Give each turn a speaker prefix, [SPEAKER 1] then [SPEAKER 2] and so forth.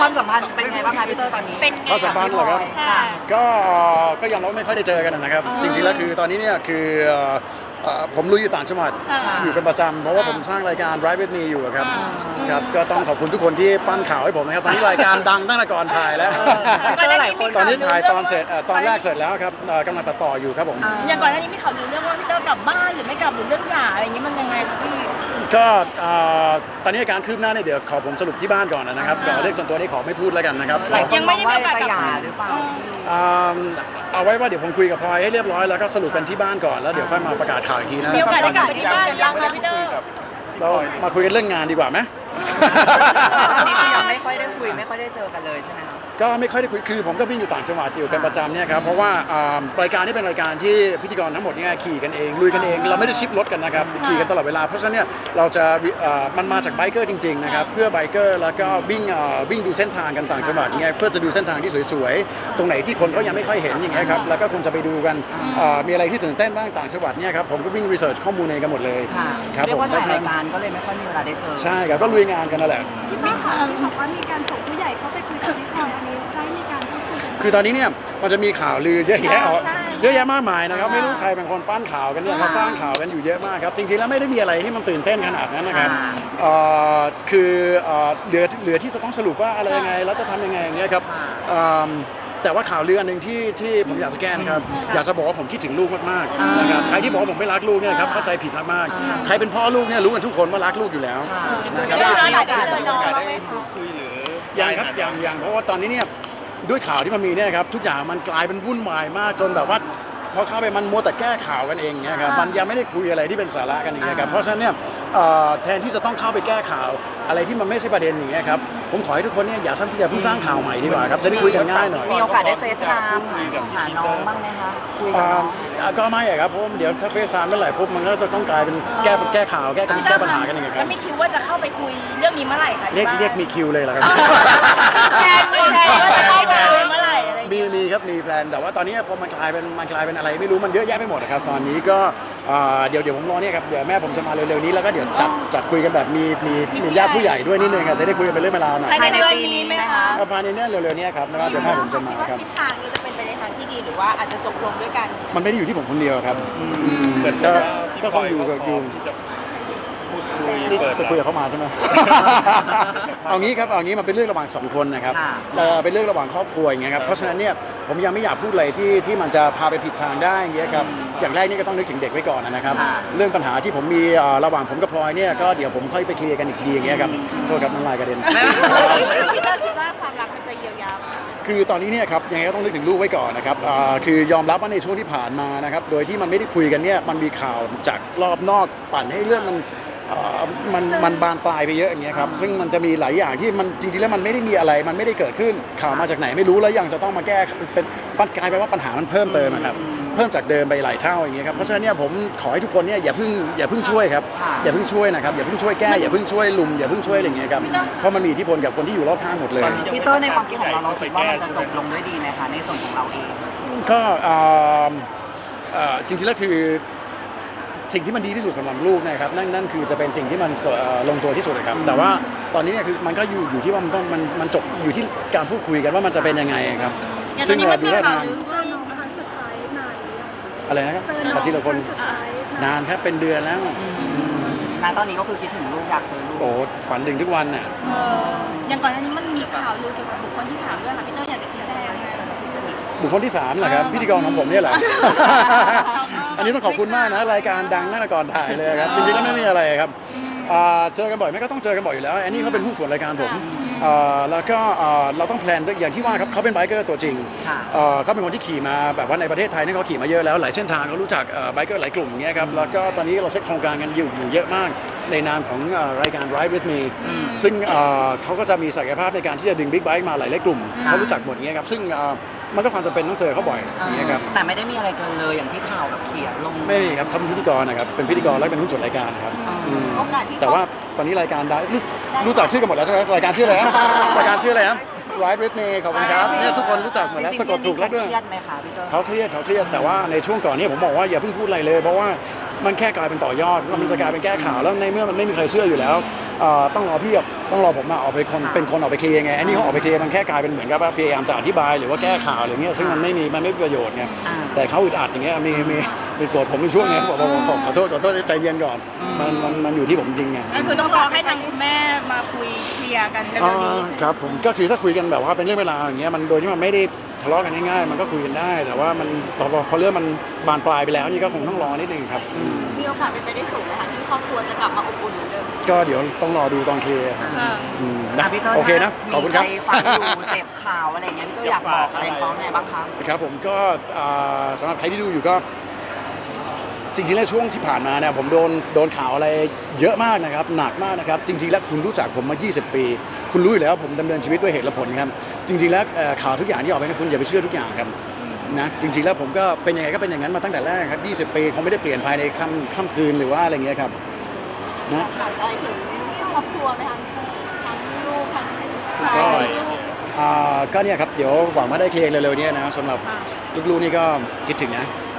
[SPEAKER 1] ความสัมพันธ์เป็นไงบ้างคะพี่เตอร์ตอนนี้
[SPEAKER 2] เป็นไง
[SPEAKER 3] ความสัมพันธ์เหรอครับ
[SPEAKER 2] ค่ะ
[SPEAKER 3] ก็ยังเราไม่ค่อยได้เจอกันนะครับจริงๆแล้วคือตอนนี้เนี่ยคือผมลุยอยู่ต่างจังหวัดอยู่เป็นประจำเพราะว่าผมสร้างรายการ Ride with me อยู่ครับก็ต้องขอบคุณทุกคนที่ปั้นข่าวให้ผมนะครับตอนนี้รายการดังตั้งแต่ก่อนถ่ายแล้วตอนนี้ถ่ายตอนเสร็จตอนแรกเสร็จแล้วครับกำลังตัดต่ออยู่ครับผม
[SPEAKER 2] อย่างก่อนหน้านี้มีข่าวลือเรื่องว่าพี่เตอร์กลับบ้านหรือไม่กลับหรือเรื่องหย่าอะไรอย่างนี้มันยังไงคะพี่
[SPEAKER 3] ก็ตอนนี้การคืบหน้าเนี่ยเดี๋ยวขอผมสรุปที่บ้านก่อนนะครับก่อนเรื่องส่วนตัวนี้ขอไม่พูดแล้วกันนะครับ
[SPEAKER 2] ยังไม่ได้มีโอกาส
[SPEAKER 1] จะ
[SPEAKER 2] กลับ
[SPEAKER 1] หย่าหรือเปล่า
[SPEAKER 3] เอาไว้ว่าเดี๋ยวผมคุยกับพลอยให้เรียบร้อยแล้วก็สรุปกันที่บ้านก่อนแล้วเดี๋ยวค่อยมาประกาศข่าวอีกทีนะ
[SPEAKER 2] มีโอกาสได้กลับไปที่บ้านยังคะพี่เตอร์
[SPEAKER 3] เรามาคุยกันเรื่องงานดีกว่าไหม
[SPEAKER 1] นี่คือยังไม่ค่อยได้คุยไม่ค่อยได้เจอกันเลยใช่ไหมคะ
[SPEAKER 3] ก็ไม่ค่อยได้คุยคือผมก็วิ่งอยู่ต่างจังหวัดอยู่เป็นประจำเนี่ยครับเพราะว่ารายการนี้เป็นรายการที่พิธีกรทั้งหมดเนี่ยขี่กันเองลุยกันเองเราไม่ได้ชิปรถกันนะครับขี่กันตลอดเวลาเพราะฉะนั้นเนี่ยเราจะมันมาจากไบเกอร์จริงๆนะครับเพื่อไบเกอร์แล้วก็วิ่งดูเส้นทางกันต่างจังหวัดอย่างเงี้ยเพื่อจะดูเส้นทางที่สวยๆตรงไหนที่คนเขายังไม่ค่อยเห็นอย่างเงี้ยครับแล้วก็คุณจะไปดูกันมีอะไรที่ตื่นเต้นบ้างต่างจังหวัดเนี่ยครับผมก็วิ่งรีเสิร์ชข้อมูลเองกันหมดเลยครับ
[SPEAKER 1] เรีย
[SPEAKER 3] ผ
[SPEAKER 1] ก
[SPEAKER 3] ม
[SPEAKER 1] ว่าถ่ายรายการก็เลยไม่ค่อยมีเวลาได้เจอ
[SPEAKER 3] ใช่ครับก็ลุยงานกันนั่นแหละ
[SPEAKER 4] มีข่าวที่บอกว่ามีการส่งผู้ใหญ่เข้าไปคุยกับพี่พลอยอันนี้ได้มีการพูดคุยกัน
[SPEAKER 3] คือตอนนี้เนี่ยมันจะมีข่าวลือเยอะแยะเยอะแยะมากมายนะครับไม่รู้ใครเป็นคนปั้นข่าวกันเนี่ยเขาสร้างข่าวกันอยู่เยอะมากครับจริงๆแล้วไม่ได้มีอะไรที่มันตื่นเต้นขนาดนั้นนะครับคือเหลือที่จะต้องสรุปว่าอะไรยังไงแล้วจะทำยังไงอย่างเงี้ยครับแต่ว่าข่าวลืออันหนึ่งที่ผมอยากจะแก้นะครับอยากจะบอกว่าผมคิดถึงลูกมากๆนะครับใครที่บอกว่าผมไม่รักลูกเนี่ยครับเข้าใจผิดมากๆใครเป็นพ่อลูกเนี่ยรู้กันทุกคนว่ารักลูกอยู่แล้วนะครับ
[SPEAKER 2] อยากเจอน้องบ้างไหมคะ
[SPEAKER 3] ยังครับยังเพราะว่าตอนนี้เนี่ยด้วยข่าวที่มันมีเนี่ยครับทุกอย่างมันกลายเป็นวุ่นวายมากจนแบบว่าพอเข้าไปมันมัวแต่แก้ข่าวกันเองเนี่ยครับมันยังไม่ได้คุยอะไรที่เป็นสาระกันอย่างเงี้ยครับเพราะฉะนั้นเนี่ยแทนที่จะต้องเข้าไปแก้ข่าวอะไรที่มันไม่ใช่ประเด็นอย่างเงี้ยครับผมขอให้ทุกคนเนี่ยอย่าเพิ่งสร้างข่าวใหม่ดีกว่าครับจะได้คุยกันง่ายหน่อย
[SPEAKER 1] มีโอกาสได้เฟซไทม์หาน้องบ้างไหมคะคุยกับน้อง
[SPEAKER 3] ก็ไม่อะครับเพราะเดี๋ยวถ้าเฟซไทม์เมื่อไหร่ปุ๊บมันก็จะต้องกลายเป็นแก้ข่าวแก้ปัญหากันอย่างเงี้ยค
[SPEAKER 2] แล้
[SPEAKER 3] รับ
[SPEAKER 2] วมีคิวว่าจะเข้าไปคุยเรื่องนี้เมื่อไหร่คะ
[SPEAKER 3] เรียกมีคิวเลยเหรอครับ
[SPEAKER 2] แทนว่าจะเข้าไปคุยเมื่อไหร่อะไรอย่างเงี้ย
[SPEAKER 3] มีครับมีแพลนแต่ว่าตอนนี้พอมันกลายเป็นอะไรไม่รู้มันเยอะแยะไปหมดนะครับตอนนี้ก็เดี๋ยวผมรอเนี่ยครับเดี๋ยวแม่ผมจะมาเร็วๆนี้แล้วก็เดี๋ยวจัดคุยกันแบบมีญาติผู้ใหญ่ด้วยนิดนึงจะได้คุยกันเป็นเรื่องเป็นราวหน่อย
[SPEAKER 2] ภายในเดือนนี้ไหมคะ
[SPEAKER 3] ภายในเนี่ยเร็วๆนี้ครับแล้วเดี๋ยวแม่ผมจะมาครับ
[SPEAKER 2] ทิศทางนี้จะเป็นไปในทางที่ดีหรือว่าอาจจะจบลงด้วยกัน
[SPEAKER 3] มันไม่ได้อยู่ที่ผมคนเดียวครับก็คงอยู่นี่ไปคุยกับเขามาใช่ไหม เอางี้ครับเอางี้มันเป็นเรื่องระหว่างสองคนนะครับเป็นเรื่องระหว่างครอบครัวอย่างเงี้ยครับเพราะฉะนั้นเนี่ยผมยังไม่อยากพูดอะไรที่มันจะพาไปผิดทางได้อย่างเงี้ยครับอย่างแรกนี่ก็ต้องนึกถึงเด็กไว้ก่อนนะครับเรื่องปัญหาที่ผมมีระหว่างผมกับพลอยเนี่ยก็เดี๋ยวผมค่อยไปเคลียร์กันอีกทีอย่างเงี้ยครับโทษครับน้ำลายกระเด็น
[SPEAKER 2] พี่เตอร์คิดว่าความรักมันจะเยียวยาไหม
[SPEAKER 3] คือตอนนี้เนี่ยครับยังไงก็ต้องนึกถึงลูกไว้ก่อนนะครับคือยอมรับว่าในช่วงที่ผ่านมานะครับโดยที่มันไม่ได้คุยกันเนี่ยมันมีข่าวจากรอบนอกปั่นให้เรื่องมันบานปลายไปเยอะอย่างเงี้ยครับซึ่งมันจะมีหลายอย่างที่มันจริงๆแล้วมันไม่ได้มีอะไรมันไม่ได้เกิดขึ้นข่าวมาจากไหนไม่รู้แล้วยังจะต้องมาแก้เป็นกลายเป็นว่าปัญหามันเพิ่มเติมนะครับเพิ่มจากเดิมไปหลายเท่าอย่างเงี้ยครับเพราะฉะนั้นเนี่ยผมขอให้ทุกคนเนี่ยอย่าเพิ่งช่วยครับอย่าเพิ่งช่วยนะครับอย่าเพิ่งช่วยแก้อย่าเพิ่งช่วยลุมอย่าเพิ่งช่วยอะไรอย่างเงี้ยครับเพราะมันมีอิทธิพลกับคนที่อยู่รอบข้างหมดเลย
[SPEAKER 1] พี่เตอร์ในความคิดของเราคิดว่ามันจะจบลงด้วยดีไหมคะในส่วนของเราเอง
[SPEAKER 3] ก็จริงๆแล้วคือสิ่งที่มันดีที่สุดสำหรับลูกนะครับนั่นคือจะเป็นสิ่งที่มันลงตัวที่สุดนะครับแต่ว่าตอนนี้เนี่ยคือมันก็อยู่ที่ว่ามันจบอยู่ที่การพูดคุยกันว่ามันจะเป็นยังไงครับซึ่งดูท่าทาง
[SPEAKER 4] เจอน้องครั้งสุดท้ายนานหรือยัง
[SPEAKER 3] อะไรนะครับ
[SPEAKER 4] เจอน้
[SPEAKER 3] ข
[SPEAKER 4] อ
[SPEAKER 3] อง ทีละคน
[SPEAKER 4] รั้งสุดท้าย
[SPEAKER 3] นานครับเป็นเดือนแล้ว
[SPEAKER 1] ณตอนนี้ก็คือคิดถึงลูกอยากเจอลูก
[SPEAKER 3] โอ้ฝันถึงทุกวันน่ะ
[SPEAKER 2] อย่างก่อนหน้านี้มันมีข่าวลือเกี่ยวกับบุคคลที่สามด้วยค่ะพี่เตอร์อยากจะชี้แจง
[SPEAKER 3] บุคคลที่3เหรอครับพิธีกรของผมเนี่ยแหละ อันนี้ต้องขอบคุณมากนะรายการดังนั่นก่อนถ่ายเลยครับจริงๆแล้วไม่มีอะไรครับเจอกันบ่อยไหมก็ต้องเจอกันบ่อยอยู่แล้วอันนี้เขาเป็นหุ้นส่วนรายการผมแล้วก็เราต้องแพลนอย่างที่ว่าครับเขาเป็นไบเกอร์ตัวจริงเขาเป็นคนที่ขี่มาแบบว่าในประเทศไทยนี่เขาขี่มาเยอะแล้วหลายเส้นทางเขารู้จักไบเกอร์หลายกลุ่มอย่างเงี้ยครับแล้วก็ตอนนี้เราเซ็ตโครงการกันอยู่เยอะมากในนามของรายการ Ride with me ซึ่งเขาก็จะมีศักยภาพในการที่จะดึงบิ๊กไบค์มาหลายกลุ่มเขารู้จักหมดอย่างเงี้ยครับซึ่งมันก็ความจำเป็นต้องเจอเขาบ่อยอย่างเงี้ยครับ
[SPEAKER 1] แต่ไม่ได้มีอะไรเกินเลยอย่างที่ข่าวแบบเขียนลง
[SPEAKER 3] ไม่มีครับเขาเป็นพิธีกรนะครับเป็นพิธีกรและเป็นหุ้นส่วนรายการครับ
[SPEAKER 2] โอกาสที่
[SPEAKER 3] แต่ว่าตอนนี้รายการได้รู้จักชื่อกันหมดแล้วใช่ไหมรายการชื่ออะไรนะรายการชื่ออะไรนะ Ride with me ขอบคุณครับเนี่ยทุกคนรู้จักหมดแล้วสะกดถูกแล้วด้วย
[SPEAKER 1] เครียดไหมคะพี่เตอร์
[SPEAKER 3] เขาเครียดแต่ว่าในช่วงก่อนนี้ผมบอกว่าอย่าเพิ่งพูดอะไรเลยเพราะว่ามันแค่กลายเป็นต่อยอดแล้วมันจะกลายเป็นแก้ข่าวแล้วในเมื่อมันไม่มีใครเชื่ออยู่แล้วต้องรอพี่ต้องรอผมออกเป็นคนออกไปเคลียร์ไงอันนี้เขาออกไปเคลียร์มันแค่กลายเป็นเหมือนกับว่าพยายามจะอธิบายหรือว่าแก้ข่าวอะไรเงี้ยซึ่งมันไม่มีประโยชน์ไงแต่เขาอึดอัดอย่างเงี้ยมีโกรธผมในช่วงนี้บอกขอโทษใจเย็นก่อนมันอยู่ที่ผมจริงไง
[SPEAKER 2] ก็คือต้องรอให้ทางคุณแม่มาคุยเคลียร์กันเร็วๆนี้
[SPEAKER 3] ครับผมก็คือถ้าคุยกันแบบว่าเป็นเรื่องเวลาอย่างเงี้ยมันโดยที่มันไม่ได้ทะเลาะกันง่ายๆมันก็คุยกันได้ แต่ว่ามันพอเรื่องมันบานปลายไปแล้วนี่ก็คงต้องรอนิดนึงครับ
[SPEAKER 5] มีโอกาสเป็นไปได้สูงไหมคะที่ครอบครัวจะกลับมาอบอุ่นเหมือนเดิม
[SPEAKER 3] ก็เดี๋ยวต้องรอดูตอนเคลียร์ครับนะ
[SPEAKER 1] พี่เต้ย
[SPEAKER 3] โอเคนะขอบคุณครับ
[SPEAKER 1] มีใฟังอยู่เสพข่าวอะไรอย่างเงี้ยพี่เต้ยอยากบอกอะไรเขาไงบ้างคะ
[SPEAKER 3] ครับผมก็สำหรับใครที่ดูอยู่ก็จริงๆแล้วช่วงที่ผ่านมาเนี่ยผมโดนข่าวอะไรเยอะมากนะครับหนักมากนะครับจริงๆแล้วคุณรู้จักผมมา 20 ปี คุณรู้อยู่แล้วผมดำเนินชีวิตด้วยเหตุและผลครับจริงๆแล้วข่าวทุกอย่างที่ออกไปนะคุณอย่าไปเชื่อทุกอย่างครับนะจริงๆแล้วผมก็เป็นยังไงก็เป็นอย่างนั้นมาตั้งแต่แรกครับ20 ปีคงไม่ได้เปลี่ยนภายในค่ำคืนหรือว่าอะไรเงี้ยครับนะ
[SPEAKER 5] ถามอะไรถึงครอบครัวไหมคะทั้งลูกทั้ง
[SPEAKER 3] ก็เนี่ยครับเดี๋ยวหวังว่าได้เคลียร์เร็วๆนี้นะสำหรับลูกๆนี่ก็คิดถึงนะ